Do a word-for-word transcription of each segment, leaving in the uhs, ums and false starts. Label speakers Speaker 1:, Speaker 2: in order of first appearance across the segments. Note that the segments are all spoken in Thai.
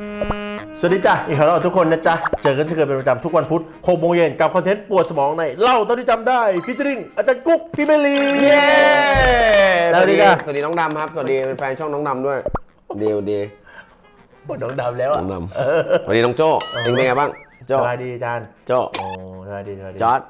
Speaker 1: สวัสดีจ้ะอีกครั้งแล้วทุกคนนะจ๊ะเจอกันเช่นเคยเป็นประจำทุกวันพุธหกโมงเย็นกับคอนเทนต์ปวดสมองในเล่าเท่าที่จำได้ฟีเจอริ่งอาจารย์กุ๊กพี่เมลีเย้
Speaker 2: สวัสดีครับสวัสดีน้องดำครับสวัสดีแฟนช่องน้องดำด้วยดีดี
Speaker 1: ปวดน้องดำแล้วอ่ะ
Speaker 2: น้องดำสวัสดีน้องโจ้เองเป็นไงบ้างโจ้
Speaker 1: สวัสดีอาจารย์
Speaker 2: โจ้
Speaker 1: โอ้สวัสดีสวัสดี
Speaker 2: จอร์ด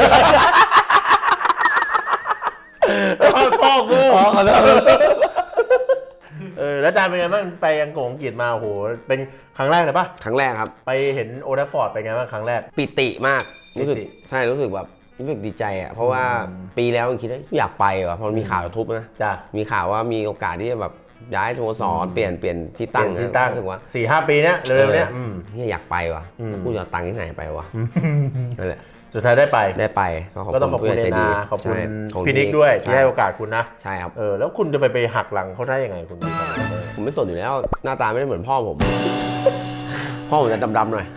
Speaker 1: จอร์ดพ่อกู
Speaker 2: อ๋อขอโทษ
Speaker 1: เออแล้วอาจารย์เป็นไงบ้างไปอังกฤษอังกฤษมาโอ้โหเป็นครั้งแรกเลยปะ
Speaker 2: ครั้งแรกครับ
Speaker 1: ไปเห็นโอทัฟฟอร์ดเป็นไงบ้างครั้งแรก
Speaker 2: ปิติมากรู้สึกใช่รู้สึกแบบรู้สึกดีใจอ่ะเพราะว่าปีแล้วคิดว่าอยากไปว่ะพอมีข่าวทุบนะ
Speaker 1: จ้ะ
Speaker 2: มีข่าวว่ามีโอกาสที่จะแบบย้ายสโมสรเปลี่ยนเปลี่ยนที่ตั้ง
Speaker 1: ที่ตั้ง
Speaker 2: รู้สึกว่า
Speaker 1: สี่ห้าปีเนี้ยเร็วๆเนี้ย
Speaker 2: นี่อยากไปว่ะกูจะตังค์ที่ไหนไปวะนั่นแหละ
Speaker 1: สุดท้ายได้ไป
Speaker 2: ได้ไป
Speaker 1: ก็ต้องขอบคุณเอนาขอบคุณพี่นิกด้วยที่ให้โอกาสคุณนะ
Speaker 2: ใช่ครับ
Speaker 1: เออแล้วคุณจะไปไปหักหลังเขาได้ยังไงคุณ
Speaker 2: ผมไม่สนอยู่แล้วหน้าตาไม่ได้เหมือนพ่อผมพ่อผมจะดำๆหน่อย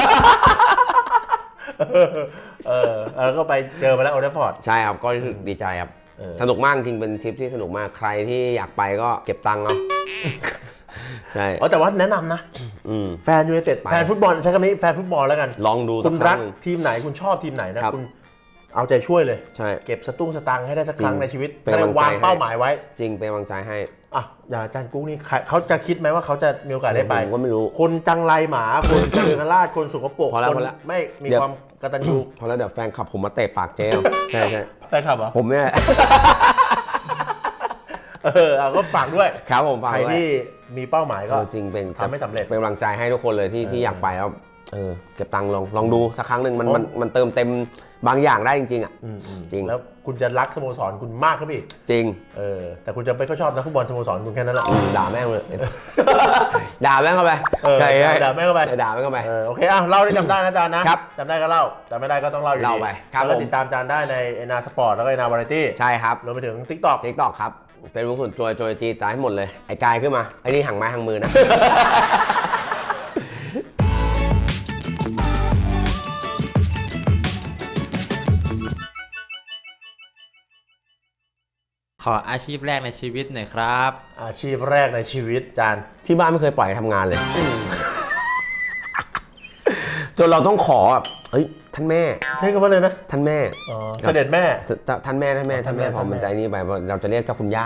Speaker 1: เออแล้วก็ไปเจอมาแล้วโอเดฟอร์ด
Speaker 2: ใช่ครับก็รู้สึกดีใจครับสนุกมากจริงเป็นทริปที่สนุกมากใครที่อยากไปก็เก็บตังค์เอาใช่
Speaker 1: แต่ว่าแนะนำนะแฟนยูไนเต็ดแฟนฟุตบอลใช้คำนี้แฟนฟุตบอลแล้วกัน
Speaker 2: ลองดู
Speaker 1: คุณรักทีมไหนคุณชอบทีมไหนนะคุณเอาใจช่วยเลย
Speaker 2: ใช่
Speaker 1: เก็บสตุ้งสตังค์ให้ได้สักครั้งในชีวิตให้วางเป้าหมายไว้
Speaker 2: จริงเป็นกำลังใจให้
Speaker 1: อ่ะอย่างอาจารย์กุ๊กนี่เขาจะคิดไหมว่าเขาจะมีโอกาสได้ไป
Speaker 2: ผมก็ไม่รู้
Speaker 1: คนจังไรหมาคนเจริญราชคนสุขปรก
Speaker 2: คน
Speaker 1: ไม่มีความกตัญญู
Speaker 2: พอแล้วเดี๋ยวแฟนขับผมมาเตะปากเจ๊ใช่ใช่
Speaker 1: แฟนขับเหรอ
Speaker 2: ผมเนี่ย
Speaker 1: เออก็ฝากด้วย
Speaker 2: ครับผมฝาก
Speaker 1: ใครที่มีเป้าหมายก็
Speaker 2: จริงเป็น
Speaker 1: ทำไม่สำเร็จ
Speaker 2: เป็นกำลังใจให้ทุกคนเลยที่ที่อยากไปแล้วเออเก็บตังค์ลองลองดูสักครั้งหนึ่งมันมันมันเติมเต็มบางอย่างได้จริงๆอ่ะจริง
Speaker 1: แล้วคุณจะรักสโมสรคุณมากขึ้นอีก
Speaker 2: จริง
Speaker 1: เออแต่คุณจะไม่ค่อยชอบนักฟุตบอลสโมสรคุณแค่นั้นแหละ
Speaker 2: ด่าแม่งเลยด่าแม่งเข้าไป
Speaker 1: ด่าแม่งเข้าไป
Speaker 2: ด่าแม่งเข้าไป
Speaker 1: โอเคอ่ะเล่าได้จำได้นะอาจารย์นะครับจำได้ก็เล่าจำไม่ได้ก็ต้องเล่าอยู่ดี
Speaker 2: เล่าไป
Speaker 1: แล้วก็ติดตามอาจารย์ได้ในเอนาสปอร์ตแล้วก็เอนาวาไรตี้
Speaker 2: ใช่ครับ
Speaker 1: รวมไปถึง TikTok
Speaker 2: TikTok ครับเป็นวงส่วนตัวโจยจีตายให้หมดเลยไอ้กายขึ้นมาไอ้นี่ห่างไม้ห่างมือนะ
Speaker 3: ขออาชีพแรกในชีวิตหน่อยครับ
Speaker 1: อาชีพแรกในชีวิตจาน
Speaker 2: ที่บ้านไม่เคยปล่อยทำงานเลยจนเราต้องขอแบบเฮ้ยท่านแม่
Speaker 1: ใช่คำว่าเลยนะ
Speaker 2: ท่านแม่
Speaker 1: เสด็จแม่
Speaker 2: ท่านแม่ท่านแม่ท่านแม่พอมันใจนี่ไปเราจะเรียกเจ้าคุณย่า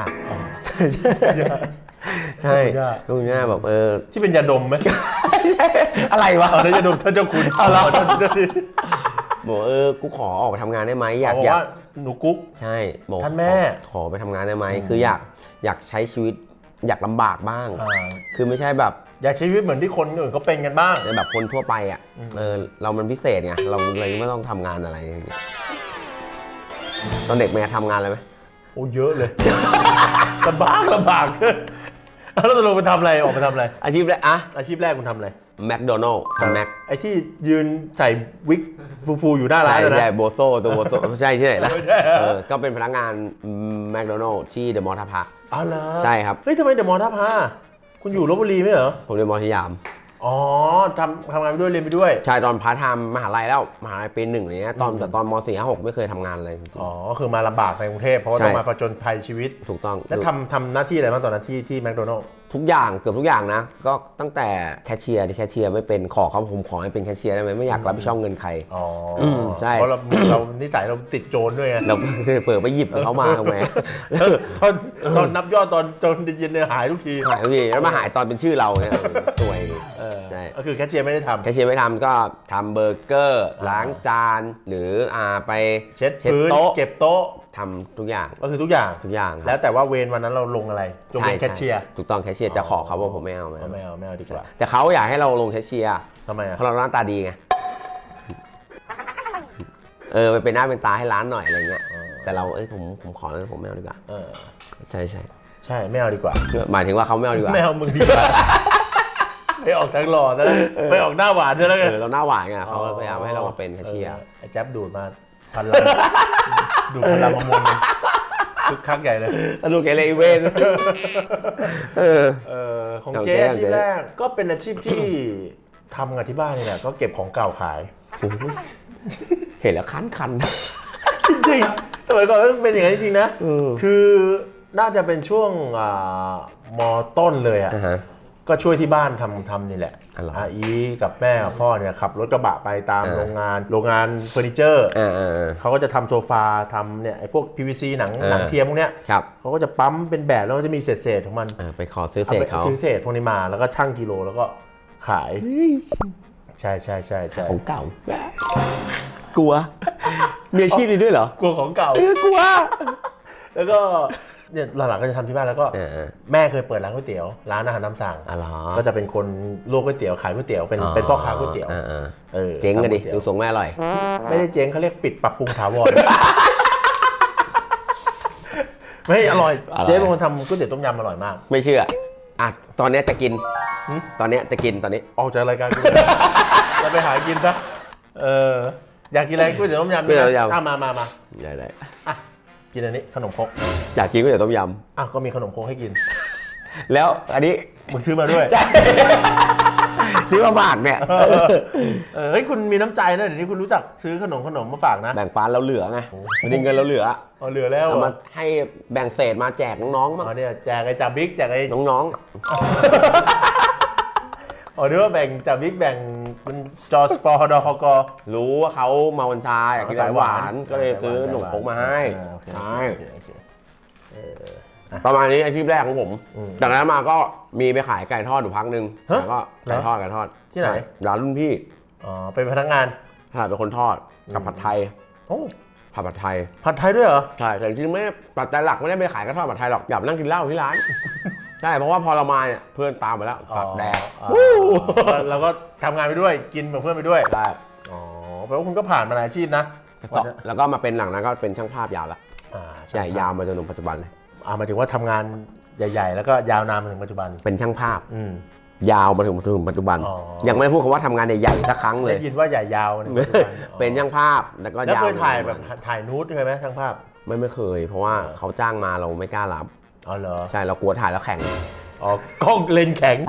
Speaker 2: ใช่คุณย่าแบบเออ
Speaker 1: ที่เป็นยาดมไหม
Speaker 2: อะไรวะ
Speaker 1: อ๋อยาดมท่านเจ้าคุณ
Speaker 2: เอาเราบอกเออกูขอออกไปทำงานได้ไหมอยากอยาก
Speaker 1: หนูกุ๊ก
Speaker 2: ใช่บอก
Speaker 1: ท่านแม่
Speaker 2: ขอไปทำงานได้ไหมคืออยากอยากใช้ชีวิตอยากลำบากบ้างคือไม่ใช่แบบ
Speaker 1: อยากใช้ชีวิตเหมือนที่คนอื่นเขาเป็นกันบ้าง
Speaker 2: แบบคนทั่วไปอ่ะเออเรามันพิเศษไงเราเลยไม่ต้องทำงานอะไรอย่างเงี้ยตอนเด็กแม่ทำงานอะไรไหม
Speaker 1: โอ้เยอะเลยลำบากลำบากแล้วตกลงไปทำอะไรออกไปทำอะไร
Speaker 2: อาชีพแรกอะ
Speaker 1: อาชีพแรกคุณทำอะไร
Speaker 2: แมคโดนัลด์ทำแม็ก
Speaker 1: ไอที่ยืนใส่วิกฟูๆอยู่หน้าร้านนะ
Speaker 2: ใช่โบโซ่ตัวโบโซ่ใช่ที่ไหนล่ะก็เป็นพนักงานแมคโดนัลด์ที่เดอะมอลล์ท่าพระ
Speaker 1: อ๋อเหรอ
Speaker 2: ใช่ครับ
Speaker 1: เฮ้ยทำไมเดอะมอลล์ท่าพระคุณอยู่ลพบุรีไม่เหรอ
Speaker 2: ผมเรียนมอสยาม
Speaker 1: อ๋อทำทำงานไปด้วยเรียนไปด้วย
Speaker 2: ใช่ตอนพาร์ทไทม์มหาลัยแล้วมหาลัยปีหนึ่งอะไรเงี้ยตอนแต่ตอนมสี่ห้าหกไม่เคยทำงานเลยจริง
Speaker 1: อ๋อคือมาลำบากในกรุงเทพเพราะว่าต้องมาผจญภัยชีวิต
Speaker 2: ถูกต้อง
Speaker 1: แล้วทำทำหน้าที่อะไรบ้างตอนนั้นที่ที่แมคโดนัลด์
Speaker 2: ทุกอย่างเกือบทุกอย่างนะก็ตั้งแต่แคชเชียร์ที่แคชเชียร์ไม่เป็นขอเขาผมขอให้เป็นแคชเชียร์ได้ไหมไม่อยากรับผิดชอบเงินใคร
Speaker 1: อ๋อ
Speaker 2: ใช่
Speaker 1: เพราะเราเรานิสัยเราติดโจรด้วยไง
Speaker 2: เราเปิดไปหยิบเขามาทำไม
Speaker 1: ตอนตอนนับยอดตอนจนเย็นเนี่ยหายทุกที
Speaker 2: หายทุกทีแล้วมาหายตอนเป็นชื่อเราเนี่ยสวย
Speaker 1: ใช่ก็คือแคชเชียร์ไม่ได้ทำ
Speaker 2: แคชเชียร์ไม่ทำก็ทำเบอร์เกอร์ล้างจานหรืออ่าไป
Speaker 1: เช็ดพื้นเก็บโต๊ะ
Speaker 2: ทำทุกอย่าง
Speaker 1: ก็คือทุกอย่าง
Speaker 2: ทุกอย่าง
Speaker 1: แล้วแต่ว่าเวรวันนั้นเราลงอะไรลงเป็นแคชเชียร์
Speaker 2: ถูกต้องแคชเชียร์จะขอเขาว่าผมไม่เอา
Speaker 1: ไม่เอาไม่เอาไม่เอาดีกว่า
Speaker 2: แต่เขาอยากให้เราลงแคชเชียร์
Speaker 1: ทำไมอ่ะ
Speaker 2: เพราะเราหน้าตาดีไงเออไปเป็นหน้าเป็นตาให้ร้านหน่อยอะไรเงี้ยแต่เราเอ้ยผมผมขอแล้วผมไม่เอาดีกว่าใช่ใช่
Speaker 1: ใช่ไม่เอาดีกว่า
Speaker 2: หมายถึงว่าเขาไม่เอาดีกว่า
Speaker 1: ไม่เอามึงดีกว่าไม่ออกทั้งหล่อนะไม่ออกหน้าหวานด้วยแล้วไง
Speaker 2: เราหน้าหวานไงเขาพยายามให้เรามาเป็นแคชเชียร์
Speaker 1: ไอ้แจ๊บดูดมาพันลังดูดพลังมะม่วงคึกคักใหญ่เลย
Speaker 2: ดูเกเรเวน
Speaker 1: เออเออของเจ๊อาชีพแรกก็เป็นอาชีพที่ทำกับที่บ้านนี่แหละก็เก็บของเก่าขาย
Speaker 2: เห็นแล้วคันคัน
Speaker 1: จริงๆสมัยก่อนก็เป็นอย่างนั้นจริงๆนะคือน่าจะเป็นช่วงม.ต้นเลยอ่ะก็ช่วยที่บ้านทำทำนี่แหละ
Speaker 2: อ๋อเหรอ
Speaker 1: อาอีกับแม่กับพ่อเนี่ยขับรถกระบะไปตาม
Speaker 2: อ่า
Speaker 1: โรงงานโรงงานเฟอร์นิเจอร์
Speaker 2: อ่าอ่าอ่า
Speaker 1: เขาก็จะทำโซฟาทำเนี่ยไอ้พวก พี วี ซี หนัง
Speaker 2: อ่า
Speaker 1: หนังเทียมพวกเนี้ย
Speaker 2: ครับ
Speaker 1: เขาก็จะปั๊มเป็นแบบแล้วก็จะมีเศษๆของมัน
Speaker 2: อ่าไปขอซื้อเศษ
Speaker 1: ไป
Speaker 2: เขา
Speaker 1: ซื้อเศษพวกนี้มาแล้วก็ชั่งกิโลแล้วก็ขาย ใช่ใช่ใช่ใช่
Speaker 2: ของเก่า กลัวมีอาชีพนี้ด้วยเหรอก
Speaker 1: ลัวของเก่า
Speaker 2: เออกลัว
Speaker 1: แล้วก็เนี่ยหลังๆก็จะทำที่บ้านแล้วก็
Speaker 2: เออ
Speaker 1: แม่เคยเปิดร้านก๋วยเตี๋ยวร้านอาหารตามสั่ง
Speaker 2: อ๋อเหรอ
Speaker 1: ก็จะเป็นคนลวกก๋วยเตี๋ยวขายก๋วยเตี๋ยวเป็นเป็นพ่อค้าก๋วยเตี๋ยว
Speaker 2: อ่าอ่า
Speaker 1: ออ
Speaker 2: เจ๊งกันดิ
Speaker 1: ทำก๋วยตี๋ยว
Speaker 2: ดูทรงแม่อร่อย
Speaker 1: ไม่ได้เจ๊งเขาเรียกปิดปรับปรุงถาวร ไม่อร่อย
Speaker 2: อร่อย
Speaker 1: เจ๊เป็นคนทำก๋วยเตี๋ยวต้มยำอร่อยมาก
Speaker 2: ไม่เชื่ออ่ะตอนเนี้ยจะกิน
Speaker 1: หึ
Speaker 2: ตอนเนี้ยจะกินตอนนี้
Speaker 1: ออกจากรายการกู เราไปหากินซะเอออยากกินอะไรก๋วยเตี๋ยวต้มยำ
Speaker 2: ก๋วยเตี๋ยวต้มยำ
Speaker 1: อ่ะมามามา
Speaker 2: ได้ได้
Speaker 1: อ่ะกินอันนี้ขนมครก
Speaker 2: อยากกินก๋วยเตี๋ยวต้มย
Speaker 1: อ่ะก็มีขนมครกให้กิน
Speaker 2: ำแล้วอันนี้
Speaker 1: มึงซื้อมาด้วย
Speaker 2: ซื้อมาฝากเนี่ย
Speaker 1: เออเออเฮ้ยคุณมีน้ำใจนะเดี๋ยวนี้คุณรู้จักซื้อขนมขนมมาฝากนะ
Speaker 2: แบ่งปันเราเหลือไงวันนี้เงินเราเหลือ
Speaker 1: เอาเหลือแล้ว
Speaker 2: เอา
Speaker 1: เหร
Speaker 2: มา
Speaker 1: อ
Speaker 2: ให้แบ่งเศษมาแจกน้องๆมั้ง
Speaker 1: อ๋อเนี่ยแจกไอ้จ่าบิ๊กแจกไอ้
Speaker 2: น้อง
Speaker 1: อ๋อนึกว่าแบ่งจ่าบิ๊กแบ่งเป็นจอสปอร์ดอฮก
Speaker 2: ๆรู้ว่าเขาเมากัญชาอยากกินสายหวานก็เลยซื้อขนมครกมาให้
Speaker 1: อ่าโอเค
Speaker 2: ใช่
Speaker 1: โอเคโอเคเออ
Speaker 2: ประมาณนี้อาชีพแรกของผม
Speaker 1: อืม
Speaker 2: จากนั้นมาก็มีไปขายไก่ทอดอยู่พักหนึ่ง
Speaker 1: ฮะ
Speaker 2: แล้วก็ไก่ทอดไก่ทอด
Speaker 1: ที่ไหน
Speaker 2: ร้านรุ่นพี่
Speaker 1: อ๋อเป็นพนักงาน
Speaker 2: ใช่เป็นคนทอดกับผัดไทย
Speaker 1: โอ้
Speaker 2: ผัดผัดไทย
Speaker 1: ผัดไทยด้วยเหรอ
Speaker 2: ใช่แต่จริงๆไม่ปัจจัยหลักไม่ได้ไปขายกระทอดผัดไทยหรอกอยากนั่งกินเหล้าที่ร้าน ใช่เพราะว่าพอเรามาเนี่ยเพื่อนตามไปแล้วสัตว์แดก
Speaker 1: อ๋อเราก็ทำงานไปด้วยกินกับเพื่อนไปด้วย
Speaker 2: ได้
Speaker 1: อ๋อแปลว่าคุณก็ผ่านมาหลายอาชีพนะ
Speaker 2: แล้วก็มาเป็นหลังนั้นก็เป็นช่างภาพยาวละ
Speaker 1: อ่า
Speaker 2: ใหญ่ยาวมาจนถึงปัจจุบันเลย
Speaker 1: อ่าหมายถึงว่าทำงานใหญ่ ๆ แล้วก็ยาวนานมาถึงปัจจุบัน
Speaker 2: เป็นช่างภาพ
Speaker 1: อืม
Speaker 2: ยาวมาถึงถึงปัจจุบัน
Speaker 1: อ๋อ
Speaker 2: ยังไม่ได้พูดคำว่าทำงานใหญ่ๆสักครั้งเลย
Speaker 1: ได้ยินว่าใหญ่ยาวในปัจจุบันอ๋อ
Speaker 2: เป็นช่างภาพแล้วก็
Speaker 1: แล้ว
Speaker 2: ยาว
Speaker 1: เคยถ่ายแบบถ่ายนูดเคยไหมช่างภาพ
Speaker 2: ไม่ไม่เคย เพราะว่าเขาจ้างมาเราไม่กล้ารับ
Speaker 1: อ๋อเหรอ
Speaker 2: ใช่เรากลัวถ่ายแล้วแข่ง
Speaker 1: อ๋อกล้องเลนส์แข็ง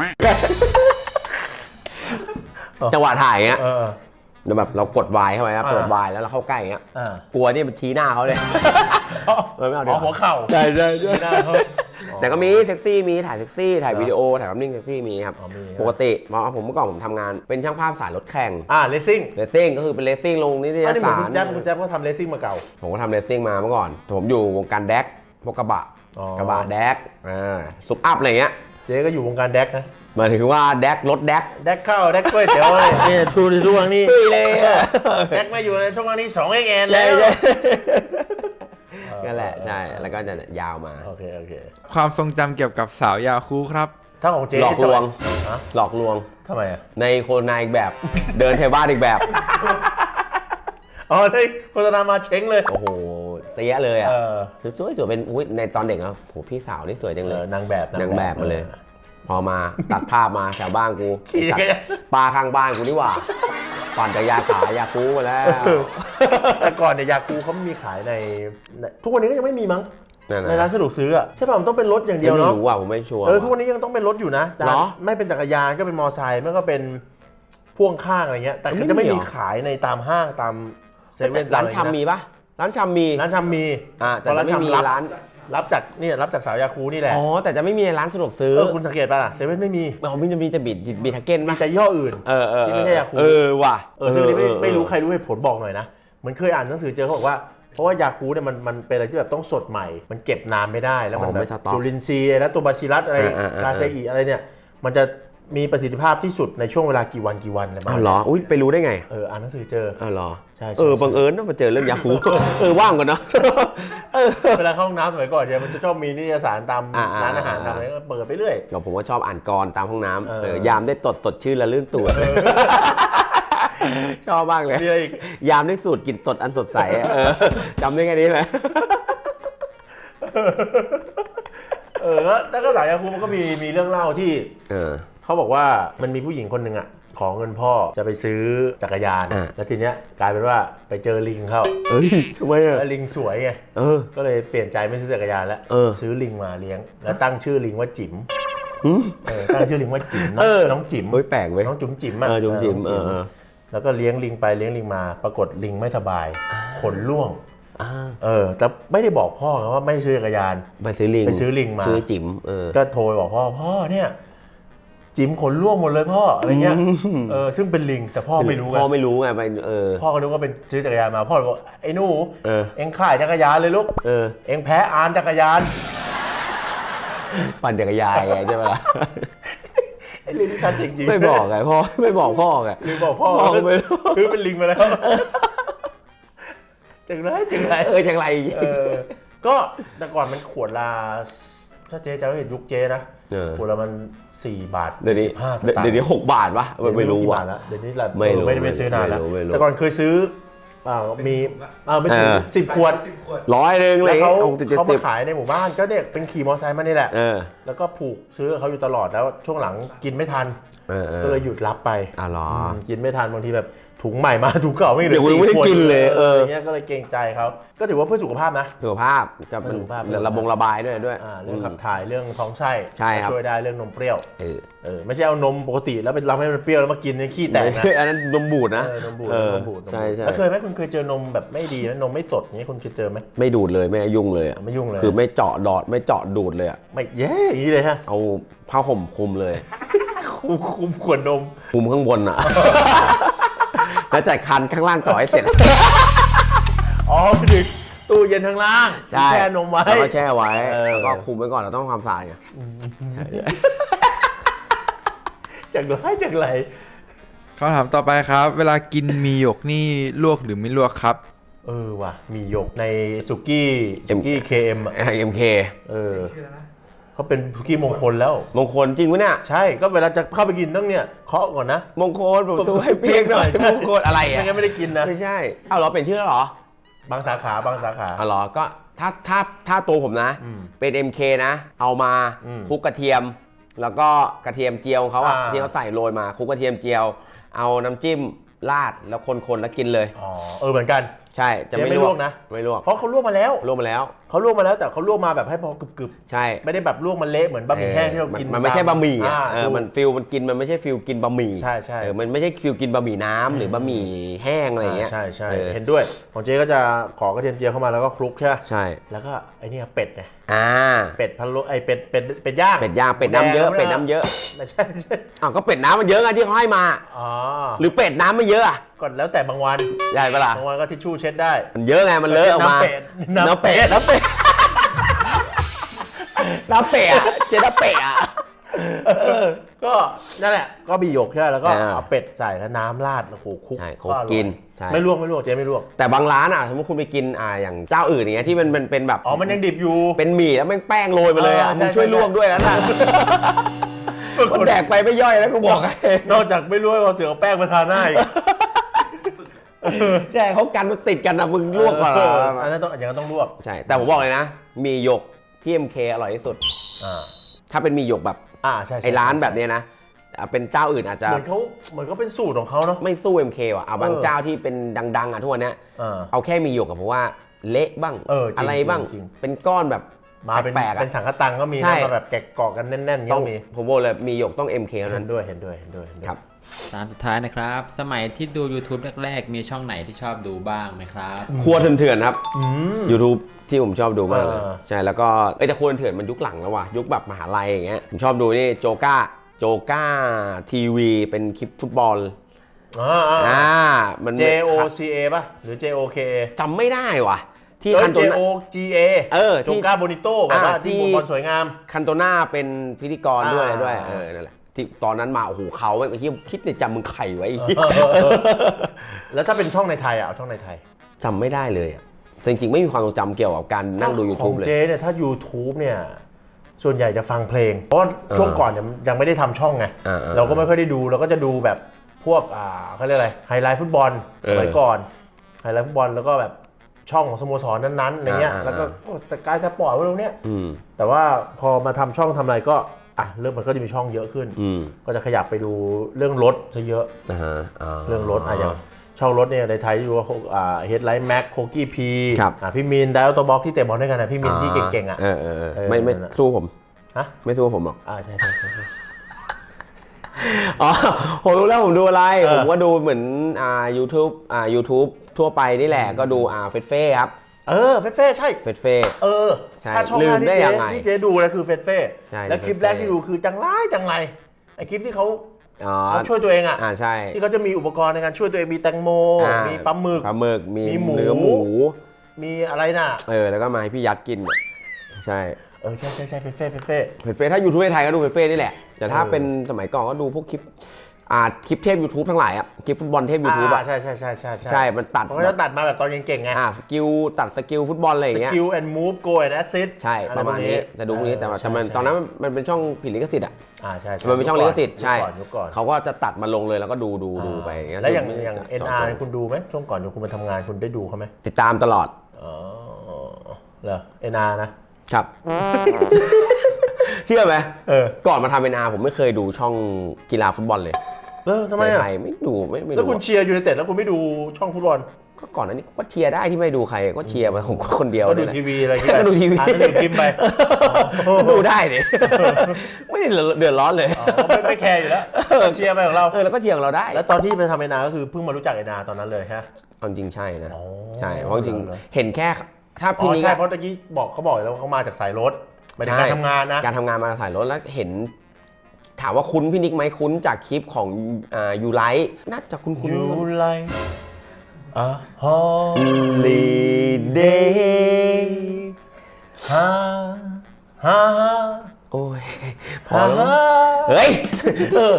Speaker 2: จังหวะถ่ายเงี้ย
Speaker 1: เออ
Speaker 2: แล้วแบบเรากดวายเข้าไปนะ
Speaker 1: อ่า
Speaker 2: เปิดวายแล้วเราเข้าใกล้เงี้ย
Speaker 1: อ่าก
Speaker 2: ลัวนี่มันชี้หน้าเขาเลย เออไม่เอาดีกว่า
Speaker 1: หัวเข่า
Speaker 2: ใช่ใช่ใช่
Speaker 1: หน้าเขา
Speaker 2: แต่ก็มีเซ็กซี่มีถ่ายเซ็กซี่ถ่ายวิดีโอถ่ายภาพนิ่งเซ็กซี่มีครับ
Speaker 1: อ๋อมี
Speaker 2: ปกติเพราะว่าผมเมื่อก่อนผมทำงานเป็นช่างภาพสายรถแข่ง
Speaker 1: อ่าเลสซิ่ง
Speaker 2: เรซซิ่งก็คือเป็นเรซซิ่งลงนิตย
Speaker 1: อันนี้เหมือน
Speaker 2: สา
Speaker 1: คุ
Speaker 2: ร
Speaker 1: ณแจ๊บคุณแจ๊บก็ทำเลสซิ่งมาเก่า
Speaker 2: ผมก็ทำเรซซิ่งมาเมื่อก่อนผมอยู่วงการแดกพวกกระบะ
Speaker 1: อ๋อก
Speaker 2: ระบะแดกอ่าซุปอัพอะไรเงี้ย
Speaker 1: เจ๊ก็อยู่วงการแดกนะ
Speaker 2: หมายถึงว่าแดกรถแดก
Speaker 1: แดกข้าวแดกกล้วยเตี๋ยวเลยนี่ชูในช่วงนี้
Speaker 2: ตุ้ยเลยอะ
Speaker 1: แดกมาอยู่ในช่วงนี้สองเอ็กแอน
Speaker 2: ใช่
Speaker 1: แล้ว
Speaker 2: ใช่นั่นแหละใช่แล้วก็จะยาวมา
Speaker 1: โอเคโอเค
Speaker 3: ความทรงจำเกี่ยวกับสาวยาคูครับ
Speaker 1: ถ้าของเจ๊
Speaker 2: หลอกลวง
Speaker 1: ฮะ
Speaker 2: หลอกลวง
Speaker 1: ทำไมอ่ะ
Speaker 2: ในโฆษณาอีกแบบ เดินเทบ้านอีกแบบ
Speaker 1: อ๋อได้โฆษณามาเช้งเลย
Speaker 2: โอ้โหเสียเลยอ่ะ
Speaker 1: เออ
Speaker 2: สวยๆสวยเป็นอุ้ยในตอนเด็กแล้วโหพี่สาวนี่สวยจัง
Speaker 1: เอ
Speaker 2: เล
Speaker 1: อย นางแบบ
Speaker 2: นางแบบมาเลย พอมาตัดภาพมาแถวบ้านกู
Speaker 1: ขี่
Speaker 2: สัต
Speaker 1: จักร
Speaker 2: ว์
Speaker 1: ยาน
Speaker 2: ปลาข้างบ้านกูนี่หว่า ปั่นจักรยานขายาคูมาแล้ว
Speaker 1: เออแต่ก่อนเนี่ยยาคูเขามีขายในในทุกวันนี้ก็ยังไม่มีมั้ง
Speaker 2: นั่น
Speaker 1: ในร้าน
Speaker 2: นะ
Speaker 1: สะดวกซื้ออ่ะใช่ป่ะมันต้องเป็นรถอย่างเดียว
Speaker 2: ไม่
Speaker 1: เนาะ
Speaker 2: รู้อ่ะผมไม่ชัวร์
Speaker 1: เออทุกวันนี้ยังต้องเป็นรถอยู่นะจาน
Speaker 2: เหรอ
Speaker 1: ไม่เป็นจักรยานก็เป็นมอไซค์ไม่ก็เป็นพ่วงข้างอะไรเงี้ยแต่
Speaker 2: ไม่มี
Speaker 1: จะไม่มี
Speaker 2: เหรอ
Speaker 1: ขายในตามห้างตามเซเว่น
Speaker 2: ร้านชำมีปะร้านชำมี
Speaker 1: ร้านชำมี
Speaker 2: อ่าแต่
Speaker 1: เพราะ
Speaker 2: จะไม่มี
Speaker 1: ชำรับ
Speaker 2: ร้าน
Speaker 1: รับจากนี่รับจากสาวยาคูนี่แหละ
Speaker 2: อ๋อแต่จะไม่มีในร้านสะดวกซื้อ
Speaker 1: เออคุณสังเกตป่ะล่ะเซเว่นไม่มี
Speaker 2: อ๋อมันจะมีแต่บิดบิดทาเก้น
Speaker 1: มี
Speaker 2: ปะ
Speaker 1: แต่ย่ออื่น
Speaker 2: เออเออ
Speaker 1: ที่ไม่ใช่ยาคู
Speaker 2: เออว่ะ
Speaker 1: เออซึ่งอันนี้ไม่
Speaker 2: เออ
Speaker 1: ไม่รู้ใครรู้เหตุผลบอกหน่อยนะเหมือนเคยอ่านหนังสือเจอเขาบอกว่าเพราะว่ายาคูเนี่ยมันมันเป็นอะไรที่แบบต้องสดใหม่ มันเก็บนานไม่ได้แล้วมัน
Speaker 2: อ๋อ
Speaker 1: แบ
Speaker 2: ไม่
Speaker 1: บ
Speaker 2: สต๊อก
Speaker 1: จุลินทรีย์และตัวบาซิลัสอะไร
Speaker 2: อ่าๆๆ
Speaker 1: คาเซอีอะไรเนี่ยมันจะมีประสิทธิภาพที่สุดในช่วงเวลากี่วันกี่วันอะไรประ
Speaker 2: อ้า
Speaker 1: มาณ
Speaker 2: วเหรอ
Speaker 1: นี้
Speaker 2: อุ้ยไปรู้ได้ไง
Speaker 1: เอออ่านหนังสือเจอ
Speaker 2: อ้าวเหรอ
Speaker 1: ใช่ใช่
Speaker 2: เออบังเอิญต้องมาเจอเรื่องยาคู เออว่างกันเนาะเออ
Speaker 1: เวลาเข้าห้องน้ำสมัยก่อนเนี่ยมันจะชอบมีนิตยสารตาม
Speaker 2: อ่าๆ
Speaker 1: ร้านอาหารตามอะไรก็เปิดไปเรื่อย
Speaker 2: เราผมก็ชอบอ่านกรตามห้องน้ำ
Speaker 1: เออ
Speaker 2: เออยามได้ตดสดชื่นและลื่นตัวชอบมากเลย
Speaker 1: มีอะไรอีก
Speaker 2: ยามได้สูตรกลิ่นตดอันสดใสอะเออจำได้แค่นี้เลย
Speaker 1: เออแล้วแล้วก็สายยาคูมันก็มีมีเรื่องเล่าที่
Speaker 2: เออ
Speaker 1: เขาบอกว่ามันมีผู้หญิงคนหนึ่งอ่ะขอเงินพ่อจะไปซื้อจักรยาน
Speaker 2: อ่า
Speaker 1: แล้วทีเนี้ยกลายเป็นว่าไปเจอลิงเข้า
Speaker 2: เอ้ยทำไมอ่ะ
Speaker 1: แล้วลิงสวยไง
Speaker 2: เออ
Speaker 1: ก็เลยเปลี่ยนใจไม่ซื้อจักรยานแล้ว
Speaker 2: เออ
Speaker 1: ซื้อลิงมาเลี้ยง แล้วตั้งชื่อลิงว่าจิ๋ม
Speaker 2: หืม
Speaker 1: เออตั้งชื่อลิงว่าจิ๋มน้อง
Speaker 2: เออ
Speaker 1: น้องจิ๋ม
Speaker 2: เฮ้ยแปลกเว้ย
Speaker 1: น้องจุ๋มจิ๋มอะ
Speaker 2: เออจุ๋มจิ๋ม
Speaker 1: น้ง
Speaker 2: เออเออ
Speaker 1: แล้วก็เลี้ยงลิงไปเลี้ยงลิงมา ปรากฏลิงไม่สบายขนร่วง
Speaker 2: อ่า
Speaker 1: เออแต่ไม่ได้บอกพ่อไงว่าไม่ซื้อจักรยาน
Speaker 2: ไปซื้อลิง
Speaker 1: ไปซื้อลิงมา
Speaker 2: ซื้อจิ๋มเออ
Speaker 1: ก็โทรไปบอกพ่อพ่อเนี่ยจิ๋มขนร่วงหมดเลยพ่ออะไรเงี้ยเออซึ่งเป็นลิงแต่พ่อไม่รู้ไง
Speaker 2: พ่อไม่รู้ไงไปเออ
Speaker 1: พ่อก็นึกว่าเป็นซื้อจักรยานมาพ่อเลยบอกไอ้หนู
Speaker 2: เออ
Speaker 1: เอ็งขายจักรยานเลยลูก
Speaker 2: เออ
Speaker 1: เอ็งแพ้อานจักรยาน
Speaker 2: ปั่นจักรยานไงใช่ไหมล่ะ
Speaker 1: ไอ้ลิงนี่ทันจริงๆ
Speaker 2: ไม่บอกไงพ่อไม่บอกพ่อไง
Speaker 1: ลิงบอกพ่อ
Speaker 2: บอกไม่รู้
Speaker 1: คือเป็นลิงมาแล้วจังไรจังไร
Speaker 2: เออจังไร
Speaker 1: เออก็แต่ก่อนมันขวดละถ้าเจ๊จะเห็นยุคเจ๊นะ
Speaker 2: เออ
Speaker 1: ขวดละมันสี่บาท
Speaker 2: เดี๋ยวนี้
Speaker 1: สิบห้าสตางค์
Speaker 2: เดี๋ยวนี้หกบาทปะมันไม่รู้
Speaker 1: กี่
Speaker 2: ว่ะ
Speaker 1: บาทแล้วเดี๋ยวนี้เรา
Speaker 2: ไม่รู้
Speaker 1: ไม่ได้ไปซื้อนานแล้ว
Speaker 2: ไม่รู้ไม่รู้
Speaker 1: แต่ก่อนเคยซื้ออ่ามีอ่าไม่ถึง
Speaker 2: เออ
Speaker 1: สิบขวด
Speaker 2: ร้อยหนึ่งเล
Speaker 1: แล้ว
Speaker 2: ย
Speaker 1: เขา
Speaker 2: หกสิบเจ็ด
Speaker 1: เขา
Speaker 2: สิ
Speaker 1: มา
Speaker 2: บ
Speaker 1: ขายในหมู่บ้านก็เนี่ยเป็นขี่มอเตอร์ไซค์มานี่แหละ
Speaker 2: เออ
Speaker 1: แล้วก็ผูกซื้อกับเขาอยู่ตลอดแล้วช่วงหลังกินไม่ทัน
Speaker 2: เออเออ
Speaker 1: ก็เลยหยุดรับไป
Speaker 2: อ่ะเหรอ
Speaker 1: มกินไม่ทันบางทีแบบถุงใหม่มาถุงเก่าไม่เหลื
Speaker 2: เดี๋ยวกูไม่ได้
Speaker 1: ขว
Speaker 2: กินเลยเออ
Speaker 1: ย่างเงี้ยก็เลยเกรงใจเขาก็ถือว่าเพื่อสุขภาพนะ
Speaker 2: สุขภาพจะเป็น
Speaker 1: สุขภาพ
Speaker 2: ระบงระบายด้วยด้วย
Speaker 1: อ่าเรื่องขับถ่ายเรื่องท้องไส้
Speaker 2: ใช่ครับ
Speaker 1: ช่วยได้เรื่องนมเปรี้ยว
Speaker 2: เออ
Speaker 1: เออไม่ใช่เอานมปกติแล้วไปรับให้มันเปรี้ยวแล้วมากินเนี่ยขี้แตกนะ
Speaker 2: อันนั้นนมบูดนะ
Speaker 1: เออนมบูด
Speaker 2: เออน
Speaker 1: มบูดนมบูด
Speaker 2: ใช่ใช่
Speaker 1: แล้วเคยไหมคุณเคยเจอนมแบบไม่ดีไหมนมไม่สดอย่างนี้คุณเคยเจอไหม
Speaker 2: ไม่ดูดเลยไม่ยุ่งเลยอะ
Speaker 1: ไม่ยุ่งเลย
Speaker 2: คือไม่เจาะดอดไม่เจาะดูดเลยอะ
Speaker 1: ไม่แย่อย่างนี้เลยฮะ
Speaker 2: เอาผ้าห่มคลุมเลย
Speaker 1: คุมคุมขวดนม
Speaker 2: คลุมข้างบนอะ แล้วจ่ายคันข้างล่างต่อให้เสร็จ
Speaker 1: อ๋อคือดึกตู้เย็นข้างล่าง
Speaker 2: ใช่
Speaker 1: แช่นมไว้
Speaker 2: แล้วก็แช่ไว้
Speaker 1: เออ
Speaker 2: แล้วก็คุมไว้ก่อนเราต้องทำความสะอาดไง
Speaker 1: จากไรจากไร
Speaker 3: คำถามต่อไปครับ เวลากินมีหยกนี่ลวกหรือไม่ลวกครับ
Speaker 1: เออว่ะมีหยกในสุกี้สุกี้เคเอ็มอ่ะ
Speaker 2: เอ็มเค
Speaker 1: เออเขาเป็นสุกี้มงคลแล้ว
Speaker 2: มงคลจริงวะเนี่ย
Speaker 1: ใช่ก็เวลาจะเข้าไปกินต้องเนี่ยเคาะก่อนนะ
Speaker 2: มงคลผมตัวให้เปียกหน่อยมงคลอะไร
Speaker 1: ไม่
Speaker 2: อ่ะ
Speaker 1: งั้นไม่ได้กินนะ
Speaker 2: ไม่ใช่เอาเหรอเป็นชื่อแล้วเหรอบ
Speaker 1: างสาขาบางสาขา
Speaker 2: เอาเหรอก็ถ้าถ้าถ้าตัวผมนะ
Speaker 1: อืม
Speaker 2: เป็น เอ็ม เค นะ เอามา
Speaker 1: อืม
Speaker 2: คลุกกระเทียม แล้วก็กระเทียมเจียวของเขาอ่ะ
Speaker 1: อ่า
Speaker 2: ที่เขาใส่โรยมาคลุกกระเทียมเจียว เอาน้ำจิ้มราดแล้วคนๆแล้วกินเลย
Speaker 1: อ๋อเออเหมือนกัน
Speaker 2: ใช่จะไม่
Speaker 1: เจ๊ไม่
Speaker 2: ล
Speaker 1: ล
Speaker 2: ว
Speaker 1: ว
Speaker 2: ก
Speaker 1: กนะ
Speaker 2: ไม่ลวก
Speaker 1: เพราะเขาลวกมาแล้ว
Speaker 2: ลวกมาแล้ว
Speaker 1: เขาลวกมาแล้วแต่เขาลวกมาแบบให้พอกรึบ
Speaker 2: ใช่
Speaker 1: ๆไม่ได้แบบลวกมันเละเหมือนบะหมี่แห้งที่เรา
Speaker 2: มัน
Speaker 1: กิน
Speaker 2: มันไม่ใช่บะหมี่อ่ะ
Speaker 1: า
Speaker 2: เออมันฟิลมันกินมันไม่ใช่ฟิลกินบะหมี่
Speaker 1: ใช่ใช่
Speaker 2: เออมันไม่ใช่ฟิลกินบะหมี่น้ำหรือบะหมี่แห้งอะไรอย่างเงี้ย
Speaker 1: ใช่ใช่
Speaker 2: เออ
Speaker 1: เห็นด้วยของเจ๊ก็จะขอกระเทียมเจียวเข้ามาแล้วก็คลุกใช่ไหม
Speaker 2: ใช่
Speaker 1: แล้วก็ไอ้เนี่ยเป็ดไง
Speaker 2: อ่า
Speaker 1: เป็ดพะโล้ไอ้เป็ดเป็ดเป็ดย่าง
Speaker 2: เป็ดย่างเป็ดน้ำเยอะเป็ดน้ำเยอะ
Speaker 1: ไม่ใช่ไม่ใช่
Speaker 2: อ้าวก็เป็ดน้ำมันเยอะไงที่เขาให้มา
Speaker 1: อ๋อ
Speaker 2: หรือเป็ดน้ำไม่เยอะอ่ะ
Speaker 1: ก็แล้วแต่บางวัน
Speaker 2: ใหญ่ปะล่ะ
Speaker 1: บางวันก็ทิชชู่เช็ดได้
Speaker 2: มันเยอะไงมันเลอะออกมา
Speaker 1: น้ำเป็ด
Speaker 2: น้ำเป็ดน้ำเป็ดน้ำเป็ดอะเจน้ำเป็ดอ่ะ
Speaker 1: เออก็นั่นแหละก็บีหยกใช่ไหมแล้วก็
Speaker 2: อ่า
Speaker 1: เอาเป็ดใส่แล้วน้ำราดโอ้โหคลุก
Speaker 2: ใช่คลุก
Speaker 1: อร่อย
Speaker 2: กินใช่
Speaker 1: ไม่ลวกไม่ลวกเจ๊ไม่ลวก
Speaker 2: แต่บางร้านอ่ะสมมติคุณไปกินอ่าอย่างเจ้าอื่นอย่างเงี้ยที่มันเป็นเป็นแบบ
Speaker 1: อ๋อมันยังดิบอยู่
Speaker 2: เป็นหมี่แล้วแม่งแป้งโรยมาเลยอ่ะ
Speaker 1: เออใช่
Speaker 2: มึงช่วย
Speaker 1: ใช่
Speaker 2: ลวกด้วยนะน่ะมันแดกไปไม่ย่อยแล้วกูบอกให้
Speaker 1: นอกจากไม่รู้ว่าเสือเอาแป้งมาทาหน้าอีก
Speaker 2: ใช่เขากันมันติดกันนะมึงลวกก่อน
Speaker 1: เอ
Speaker 2: เหรอ
Speaker 1: ออันนั้นต้องอย่างนั้นต้องลวก
Speaker 2: ใช่แต่ผมบอกเลยนะมีหยกที่ เอ็ม เค อร่อยที่สุด
Speaker 1: อ่า
Speaker 2: ถ้าเป็นมีหยกแบบ
Speaker 1: อ่าใช่ใช่
Speaker 2: ไอ้ร้านแบบเนี้ยนะอ่ะเป็นเจ้าอื่นอาจจะ
Speaker 1: เหมือนเขาเหมือนเขาเป็นสูตรของเขาเนาะ
Speaker 2: ไม่สู้ เอ็ม เค ว่ะเอาบาง
Speaker 1: เออ
Speaker 2: เจ้าที่เป็นดังๆอ่ะทุกวันเนี้ย
Speaker 1: อ่า
Speaker 2: เอาแค่มีหยกกับผมว่าเละบ้าง
Speaker 1: เออจริง
Speaker 2: อะไรบ้าง
Speaker 1: จริง
Speaker 2: เป็นก้อนแบบ
Speaker 1: มาเป็น
Speaker 2: แปลกๆ
Speaker 1: เป็น
Speaker 2: อ่ะ
Speaker 1: สังฆตังก็มี
Speaker 2: ใช่
Speaker 1: นะมาแบบแกะกรอกกันแน่นๆ
Speaker 2: ต้
Speaker 1: ก็
Speaker 2: อง
Speaker 1: มี
Speaker 2: ผมบอกเลยมีหยกต้อง เอ็ม เค เท่า
Speaker 1: เห็
Speaker 2: นั้น
Speaker 1: นด้วยเห็นด้วยเห็นด้วยเห็นด้วย
Speaker 2: ครับ
Speaker 4: ตามสุดท้ายนะครับ สมัยที่ดู YouTube แรกๆ มีช่องไหนที่ชอบดูบ้างไหมครับ
Speaker 2: ครัวเถื่อนๆครับ
Speaker 1: อืม
Speaker 2: YouTube ที่ผมชอบดูมากเลย
Speaker 1: เออ
Speaker 2: ใช่แล้วก็เอ้ยแต่ครัวเถื่อนมันยุคหลังแล้วว่ะยุคแบบมหาลัยอย่างเงี้ยผมชอบดูนี่โจก้าโจก้าทีวีเป็นคลิปฟุตบอล
Speaker 1: อ่าอ่า
Speaker 2: อ่ามัน
Speaker 1: J O C A ป่ะหรือ J O K A
Speaker 2: จำไม่ได้ว่ะที่
Speaker 1: เออ
Speaker 2: คันโต
Speaker 1: J
Speaker 2: นา
Speaker 1: O G A
Speaker 2: เออ
Speaker 1: โจ
Speaker 2: ที่
Speaker 1: ก้าโบนิโต้แบบว่า
Speaker 2: อ่า
Speaker 1: ที่
Speaker 2: ที่
Speaker 1: บอลสวยงาม
Speaker 2: คันโตนาเป็นพิธีกรด้วย
Speaker 1: อ่า
Speaker 2: อะไรด้วยเออนั่นแหละที่ตอนนั้นมาโอ้โหเขาไอ้ที่คิดในจำมึงไข่ไว้ไอ้เหี้ย
Speaker 1: เออเออเออแล้วถ้าเป็นช่องในไทยอ่ะเอาช่องในไทย
Speaker 2: จำไม่ได้เลยอะจริงๆไม่มีความทรงจำเกี่ยวกับการนั่งดู YouTube
Speaker 1: ข
Speaker 2: เล
Speaker 1: อง
Speaker 2: ย
Speaker 1: เจเนี่ยถ้า YouTube เนี่ยส่วนใหญ่จะฟังเพลง เพราะว่า
Speaker 2: เออ
Speaker 1: ช่วงก่อนเนี่ยยังไม่ได้ทำช่องไง
Speaker 2: อ่าๆ
Speaker 1: เราก็ไม่ค่อยได้ดูเราก็จะดูแบบพวกอ่าเขาเรียกอะไรไฮไลท์ฟุตบอล
Speaker 2: เออ
Speaker 1: สมัยก่อนไฮไลท์ฟุตบอลแล้วก็แบบช่องของสโมสรนั้นๆอะไรเงี้ย
Speaker 2: อ่าๆ
Speaker 1: แล้วก็พวกสกายสปอร์ตพวกเนี้ย
Speaker 2: อืม
Speaker 1: แต่ว่าพอมาทำช่องทำอะไรก็อ่ะเริ่มมันก็จะมีช่องเยอะขึ้น
Speaker 2: อืม
Speaker 1: ก็จะขยับไปดูเรื่องรถซะเยอะ
Speaker 2: นะฮะา
Speaker 1: เรื่องรถอ่ะอย่างช่องรถเนี่ยในไทยอยู่ว่าอ่าเฮดไลท์แม็กโคกี้พี
Speaker 2: ครับ
Speaker 1: อ่ะพี่มินไดอัลโตบ็อกที่เตะบอลด้วยกันนะพี่มินที่เก่งๆอ่ะ
Speaker 2: เออเออเออ
Speaker 1: เออ
Speaker 2: ไม่ไม่
Speaker 1: นั่นน่ะ
Speaker 2: สู้ผม
Speaker 1: ฮะ
Speaker 2: ไม่สู้ผมหรอก
Speaker 1: อ่าใช่ใช่ใช่ใช่
Speaker 2: อ๋อผมรู้แล้วผมดูอะไร
Speaker 1: เออ
Speaker 2: ผมก็ดูเหมือนอ่า YouTube อ่า YouTube ทั่วไปนี่แหละก็ดูอ่าเฟสเฟ่ครับ
Speaker 1: เออเฟสเฟ่ใช่
Speaker 2: เฟสเฟ่
Speaker 1: เออ
Speaker 2: ใช่
Speaker 1: ถ้าช่อง
Speaker 2: ลื
Speaker 1: แร
Speaker 2: ม
Speaker 1: ก
Speaker 2: ได้
Speaker 1: ที่
Speaker 2: ยั
Speaker 1: เจ๊
Speaker 2: งไง
Speaker 1: ที่เจ๊ดูนะคือเฟสเฟ่
Speaker 2: ใช่
Speaker 1: แล้วคลิปแรกที่ดูคือจังไรจังไรไออ้คลิปที่เขา
Speaker 2: อ๋อ
Speaker 1: เขาช่วยตัวเองอ่ะ
Speaker 2: อ่าใช่
Speaker 1: ที่เขาจะมีอุปกรณ์ในการช่วยตัวเองมีแตงโม
Speaker 2: อ่า
Speaker 1: มีปลาหมึก
Speaker 2: ปลาหมึกมี
Speaker 1: มีหมู
Speaker 2: เนื้อหมู
Speaker 1: มีอะไรน่ะ
Speaker 2: เออแล้วก็มาให้พี่ยัดกินเนี่ยใช่
Speaker 1: เออใช่ใช่ใช่เฟ่เฟ่เฟ่เฟ่
Speaker 2: เฟซเฟซถ้ายูทูบไทยก็ดูเฟซเฟซนี่แหละแต่ถ้า
Speaker 1: เออ
Speaker 2: เป็นสมัยก่อนก็ดูพวกคลิปอ่าคลิปเทพ YouTube ทั้งหลายอ่ะคลิปฟุตบอลเทพ YouTube อ่ะ
Speaker 1: ใช่ใช่ใช่ใช่
Speaker 2: ใช่มันตัด
Speaker 1: เขาก็จะตัดมาแบบตอนเก่งๆไง
Speaker 2: อ่าสกิลตัดสกิลฟุตบอลอะไรอย่างเงี้ย
Speaker 1: skill and move go and assist
Speaker 2: ใช่ประมาณนี้จะดูพวกนี้แต่ว่าแต่มันตอนนั้นมันเป็นช่องผิดลิขสิทธิ์อ่ะ
Speaker 1: อ่าใช่ใช่
Speaker 2: มันเป็นช่องลิขสิทธิ์ใช่
Speaker 1: ยุคก่อนยุคก่อน
Speaker 2: เขาก็จะตัดมาลงเลยแล้วก็ดูดูดูไปอย่างเงี้ย
Speaker 1: แล้วอย่าง
Speaker 2: ไม่ได้
Speaker 1: อย่าง
Speaker 2: เจาะ
Speaker 1: เอ็น
Speaker 2: จ
Speaker 1: อาร์
Speaker 2: ง
Speaker 1: คุณดูไหมช่วงก่อนที่คุณมาทำงานคุณได้ดูเขาไหม
Speaker 2: ติดตามตลอด
Speaker 1: อ๋อเหรอ เอ็น อาร์ นะ
Speaker 2: ครับ เชื่อไหม
Speaker 1: เออ
Speaker 2: ก่อนมาทำเป็นอาผมไม่เคยดูช่องกีฬาฟุตบอลเลย
Speaker 1: เออทำไม
Speaker 2: ใน
Speaker 1: อ่ะ
Speaker 2: ไทยไม่ดูไม่ไม่
Speaker 1: แล้ว
Speaker 2: ดู
Speaker 1: คุณเชียร์ยูไนเต็ดแล้วคุณไม่ดูช่องฟุตบอล
Speaker 2: ก็ก่อนอันนี้ก็เชียร์ได้ที่ไม่ดูใครก็เชียร์ไปของคนเดียว
Speaker 1: ก็ดู
Speaker 2: นี่แหละ
Speaker 1: ทีวีอะไรอย่างเงี้ย
Speaker 2: ก็ดูทีวี
Speaker 1: อ่านหนังสือพิมพ์ไป
Speaker 2: ก็ดูได้ดิ ไม่ได้เดือดร้อนเลย
Speaker 1: อ๋อไม่ไม่แคร์อยู่แล้วเชียร์ไปของเรา
Speaker 2: เออแล้วก็เชียร์ของเราได้
Speaker 1: แล้วตอนที่ไปทำเอ็นอาร์ก็คือเพิ่งมารู้จักเอ็นอาร์ตอนนั้นเลยฮะ
Speaker 2: เอาจริงใช่นะ
Speaker 1: อ๋อ
Speaker 2: ใช่เพราะจริง
Speaker 1: เหรอ
Speaker 2: เห็นแค่ถ้า
Speaker 1: อ๋
Speaker 2: พี่
Speaker 1: อ
Speaker 2: นิก
Speaker 1: ใช่
Speaker 2: อะ
Speaker 1: เพราะตะกี้บอกเขาบอกแล้ววาเขามาจากสายรถไม่ได้การทำงานนะ
Speaker 2: การทำงานมาสายรถแล้วเห็น ถามว่าคุ้นพี่นิกไหมคุ้นจากคลิปของอ่ายูไลท์น่าจะคุ้นคุ้น
Speaker 1: ยูไลอ่ะฮอ
Speaker 2: ลีเดย์
Speaker 1: ฮ่าฮ่า
Speaker 2: โอ้ยพอ
Speaker 1: ฮ่า
Speaker 2: แล้วเฮ้ย
Speaker 1: เออ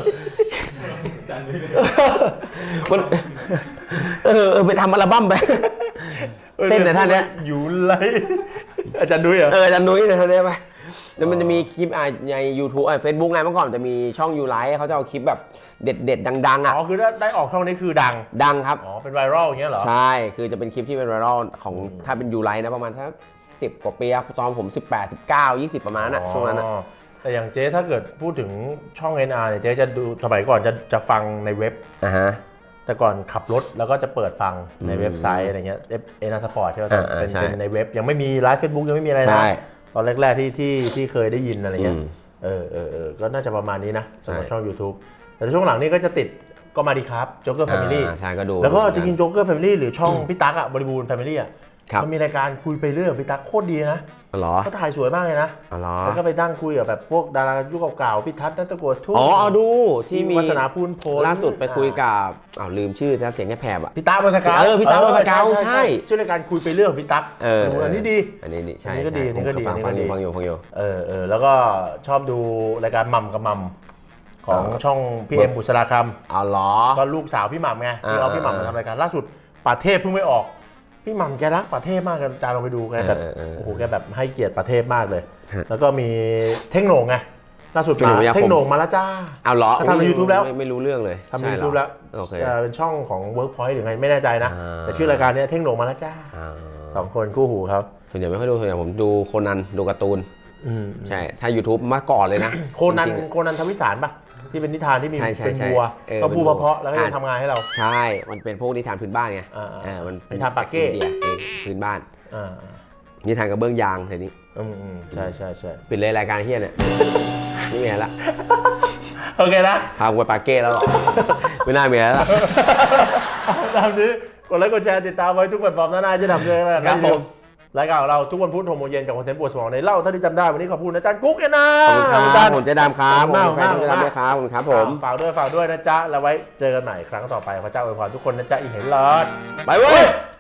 Speaker 2: มันเออเออไปทำอัลบั้มไป เต้นแต่ท่านเนี้ย
Speaker 1: ยูไลอาจารย์ดุ้ยเหรอ
Speaker 2: เอออาจารย์นุ้ยเนี่ยท่านเนี้ยไปแล้วมันจะมีคลิปอ่ะใน YouTube อ่ะ Facebook ไงเมื่อก่อนจะมีช่องยูไลท์เขาจะเอาคลิปแบบเด็ดเด็ดๆดังๆอ่ะ
Speaker 1: อ๋อคือถ้าได้ออกช่องนี้คือดัง
Speaker 2: ดังครับ
Speaker 1: อ๋อเป็นไวรัลอย่างเงี้ยเหรอ
Speaker 2: ใช่ คือจะเป็นคลิปที่เป็นไวรัลของถ้าเป็นยูไลท์นะประมาณสักสิบกว่าปีอะตอนผมสิบแปด สิบเก้า ยี่สิบประมาณนั้นอะช่วงนั้นอะ
Speaker 1: อ๋อแต่อย่างเจ๊ถ้าเกิดพูดถึงช่อง เอ็น อาร์ เนี่ยเจ๊จะดูสมัยก่อนจะจะฟังในเว็บ
Speaker 2: อ่าฮะ
Speaker 1: แต่ก่อนขับรถแล้วก็จะเปิดฟังในเว็บไซต์อะไรเงี้ยเอ็นอาร์สปอร์ตใช่ไหม
Speaker 2: อ่าอ่า
Speaker 1: เป็น
Speaker 2: ใช่
Speaker 1: เป็นในเว็บยังไม่มีไลฟ์เฟซบุ๊กยังไม่มีอะไร
Speaker 2: ใช่
Speaker 1: นะตอนแรกๆที่ที่ที่เคยได้ยินอะไรเงี้ย
Speaker 2: อืม
Speaker 1: เออเออเออก็น่าจะประมาณนี้นะสำหรับ
Speaker 2: ใช่
Speaker 1: ช่อง YouTube แต่ช่วงหลังนี่ก็จะติดก็มาดีครับโจ๊กเกอร์แฟมิลี่
Speaker 2: อ่าใช่ก็ดู
Speaker 1: แล้วก็จริงๆโจ๊กเกอร์แฟมิลี่หรือช่องพี่ตั๊กอะบริบูรณ์แฟมิลี่อะ
Speaker 2: ครับ
Speaker 1: มันมีรายการคุยไปเรื่อยกับพี่ตั๊กโคตรดีนะ
Speaker 2: อ๋อเหรอ
Speaker 1: เขาถ่ายสวยมากเลยนะ
Speaker 2: อ๋อเหรอ
Speaker 1: แล้วก็ไปนั่งคุยกับแบบพวกดารายุคเก่าๆพี่ทัศน์นัตะโกวดทุ่ง
Speaker 2: อ๋อเอาดูที่มี
Speaker 1: วาสนาพูนโพล
Speaker 2: ล่าสุดไปคุยกับอ้าวลืมชื่อจะเสียงแค่แผบอะ
Speaker 1: พี่ตั๊กวาสกา
Speaker 2: เออพี่ตั๊กวาสกาใช่
Speaker 1: ชื่อรายการคุยไปเรื่องของพี่ตั๊ก
Speaker 2: เออ
Speaker 1: อันนี้ดี
Speaker 2: อันนี้ดีใช่
Speaker 1: อันนี้ก็ดี
Speaker 2: ใช่
Speaker 1: อันนี้ก็ดี
Speaker 2: ผมฟัง
Speaker 1: อั
Speaker 2: ฟั
Speaker 1: น
Speaker 2: ง
Speaker 1: นี้
Speaker 2: อ
Speaker 1: ก็ดี
Speaker 2: ยู่ฟังอยู่ฟังอยู่
Speaker 1: เออเออแล้วก็ชอบดูรายการมัมกับมัมของ
Speaker 2: เออ
Speaker 1: ช่องพี่เอ็มบุษราค
Speaker 2: เอาเหรอ
Speaker 1: ำก็ลูกสาวพี่หม่ำไงที่เอา
Speaker 2: อ่า
Speaker 1: พี่หม่ำมาทำรายการล่าสุดป่าเทพเพิ่งไม่ออกพี่หม่ำแกรักป่าเทพมากกันจานลองไปดูแกแบบ
Speaker 2: เออเออเออ
Speaker 1: โอ้โหแกแบบให้เกียรติป่าเทพมากเลย
Speaker 2: ฮะ
Speaker 1: แล้วก็มีเท่งโหน่งไงล่าสุด
Speaker 2: พี่หนุ่มวิทยาคม
Speaker 1: เท่งโหน่งมาแล้วจ้า
Speaker 2: เอาเหรอ
Speaker 1: เขาทำใน YouTube แล้ว
Speaker 2: ไม่ไม่รู้เรื่องเลย
Speaker 1: ทำใน
Speaker 2: ใช่เหรอ
Speaker 1: YouTube แล้ว
Speaker 2: โอเค
Speaker 1: เอ่อเป็นช่องของ Workpoint หรือไงไม่แน่ใจนะ
Speaker 2: อ่า
Speaker 1: แต่ชื่อรายการเนี้ยเท่งโหน่งมาแล้วจ้า
Speaker 2: อ่า
Speaker 1: สองคนคู่หูครับ
Speaker 2: ส่วนใหญ่ไม่ค่อยดูส่วนใหญ่ผมดูโคนันดูการ์ตูน
Speaker 1: อืม
Speaker 2: ใช่ ถ้า YouTube มาก่อนเลยนะ
Speaker 1: โคนัน
Speaker 2: จริงๆอะ
Speaker 1: โคนันทวิสารปะที่เป็นนิทานที่มี
Speaker 2: ใช่ใช่
Speaker 1: เป็น
Speaker 2: ใช่
Speaker 1: วัว
Speaker 2: เออ
Speaker 1: ก็พูด
Speaker 2: เป็นวัว
Speaker 1: เพราะๆแล้วก็ยัง
Speaker 2: อ่ะ
Speaker 1: ทำงานให้เรา
Speaker 2: ใช่ มันเป็นพวกนิทานพื้นบ้านไง
Speaker 1: อ่าๆ
Speaker 2: เออมัน
Speaker 1: นิทานปากเก้
Speaker 2: อินเดียเองพื้นบ้าน
Speaker 1: อ่า
Speaker 2: นิทานกระเบื้องยางทีนี้
Speaker 1: อืมอืมใช่ใช่ใช่
Speaker 2: ปิดเลยรายการเฮียเนี่ย ไม่มีอะไรละ
Speaker 1: โอเคนะ
Speaker 2: พากูไปปาเก้แล้วหรอ ไม่น่ามีอะไรละ
Speaker 1: ตามนี้กดไลค์กดแชร์ติดตามไว้ทุกแพลตฟอร์มหน้าๆจะทำด้วยกัน
Speaker 2: ครับผม
Speaker 1: รายการของเราทุกวันพุธหกโมงเย็นกับคอนเทนต์ปวดสมองในเล่าเท่าที่จำได้วันนี้ขอบคุณอาจารย์กุ๊กเอ็นนะ
Speaker 2: ขอบคุณครับผมเจ๊ดำครับ
Speaker 1: มาก
Speaker 2: ผมแฟนเจ๊ดำด้วยครับขอบคุณครับผม
Speaker 1: ฝากด้วยฝากด้วยนะจ๊ะแล้วไว้เจอกันใหม่ครั้งต่อไปพระเจ้าอวยพรทุกคนนะจ๊ะอีกเห็นหลอด
Speaker 2: ไปเว้ย